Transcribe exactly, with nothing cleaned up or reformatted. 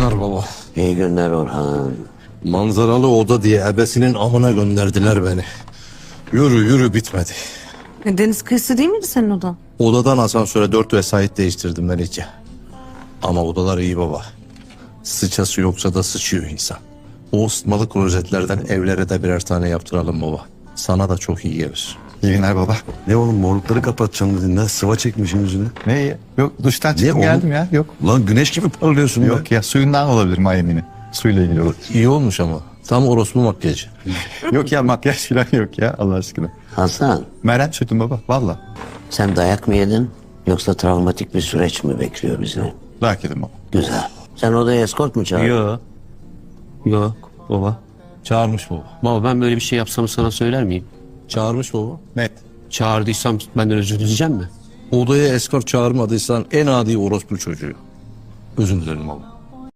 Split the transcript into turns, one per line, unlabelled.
günler baba.
İyi günler Orhan.
Manzaralı oda diye ebesinin amına gönderdiler beni. Yürü yürü bitmedi.
E, deniz kıyısı değil miydi senin odan?
Odadan asansöre dört vesait değiştirdim ben iyice. Ama odalar iyi baba. Sıçası yoksa da sıçıyor insan. O ısıtmalı klozetlerden evlere de birer tane yaptıralım baba. Sana da çok iyi gelir.
İyi günler baba.
Ne oğlum morlukları kapatacaksın dedin lan. Sıva çekmişsin yüzüne.
Ne? Yok duştan çıktım
oğlum?
geldim ya. Yok.
Lan güneş gibi parlıyorsun be.
Yok ya suyundan olabilir Miami'nin. Suyla ilgili olur.
İyi olmuş ama. Tam orospu makyajı.
Yok ya makyaj falan yok ya Allah aşkına.
Hasan,
Meryem sürdüm baba valla.
sen dayak mı yedin yoksa travmatik bir süreç mi bekliyor bizi?
Dayak yedim baba.
Güzel. Sen odaya eskort mu çağırdın?
Yok. Yok baba.
Çağırmış baba.
Baba ben böyle bir şey yapsam sana söyler miyim?
Çağırmış baba.
Net.
Çağırdıysam benden özür dileyecek mi?
Odaya eskort çağırmadıysan en adi orospu çocuğu. Özür dilerim baba.